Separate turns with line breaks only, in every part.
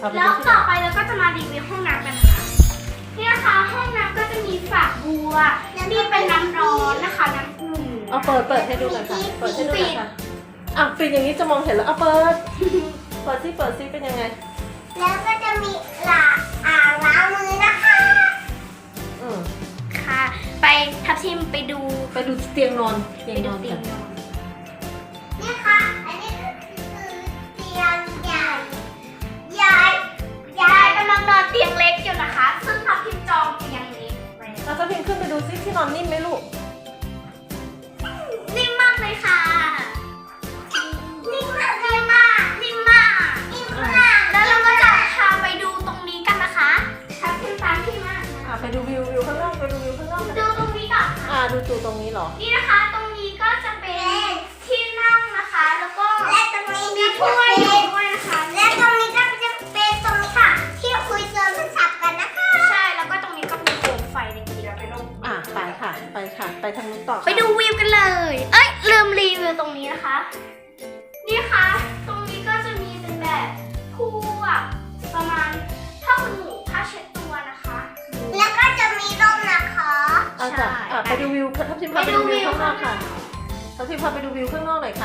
แล้วต่อไปเราก็จะมารีวิวห้องน้ำกันนะคะนี่นะคะห้องน้ำก็จะมีฝักบัวนี่เป็นน้ำร้อนนะคะน้ำอุ่น
เอาเปิดให้ดูหน่อยค่ะเปิดให้ดูหน่อยค่ะปิดอย่างนี้จะมองเห็นแล้วเอาเปิดซิเป็นยังไง
แล้วก็จะมีอ่างล้างมือนะคะ
ค่ะไปทับทิมไปดู
เตียงนอน
ไปดูเตียงนอน
นี่ค่ะอันนี้ก็คือเตียงใหญ่
ยายกำลังนอนเตียงเล็กอยู่นะคะซึ่งทับทิมจองเตียงนี้
เราจะพิมพ์ขึ้นไปดูซิที่นอนนิ่มไหมลูก
นิ่มมากเลยค่ะ
นิ่มมาก
แล้วเราก็จะพาไปดูตรงนี้กันนะคะทับทิมตามพี่มาก
ไปดูวิวข้างนอก
ดูตรงนี้ก่อน
ดูตูตรงนี้เหรอ
นี่นะคะตรงนี้ก็จะเป็นที่นั่งนะคะแล้วก็
และตรงนี้
มีถ้วยด้วยนะคะ
และตรงนี้ก็จะเป็นตรงนี้ค่ะที่คุยโทรศัพท์กันนะคะ
ใช่แล้วก็ตรงนี้ก็มีโคมไฟในกีฬาไปลง
ไปค่ะไปทางนู้นต่อ
ไปดูวิวกันเลยลืมรีวิวตรงนี้นะคะนี่ค่ะตรงนี้ก็จะมีเป็นแบบคู่แบบประมาณผ้าขนหนูผ้าเช็ดตัวนะคะ
แล้วก็จะมีร่มนะคะ
ใช่ไปดูวิวทับทิมพาไปดูวิวข้างนอกค่ะทับทิมพาไปดูวิวข้างนอกหน่อยค่ะ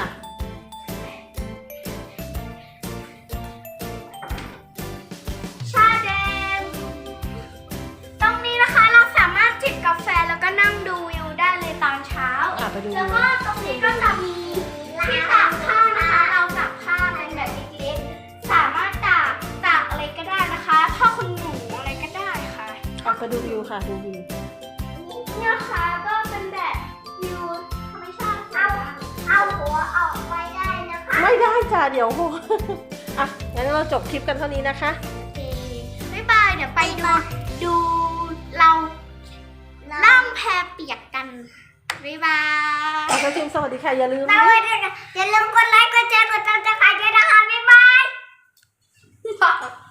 ชาแดงตรงนี้นะคะเราสามารถจิบกาแฟแล้วก็นั่งดูวิวได้เลยตอนเช้าแล้วก็ตรงนี้ก็จะมีที่ตากผ้านะคะเราตากผ้าเป็นแบบเล็กๆสามารถตากอะไรก็ได้นะคะผ้าขนหนูอะไรก็ได้ค่ะ
ไปดูวิวค่ะดูวิว
นี่นะคะก็เป็นแบบวิวธรรมชาติ
เอาหัวออกไปได้นะคะ
ไม่ได้จ้ะเดี๋ยวงั้นเราจบคลิปกันเท่านี้นะคะ
โอเคบ๊ายบายเดี๋ยวไปดูเราล่องแพเปียกกันบ๊ายบาย
ทับทิมสวัสดีค่ะอย่าลืม
กดไลค์กดแชร์กดติดตามด้วยนะคะบ๊ายบาย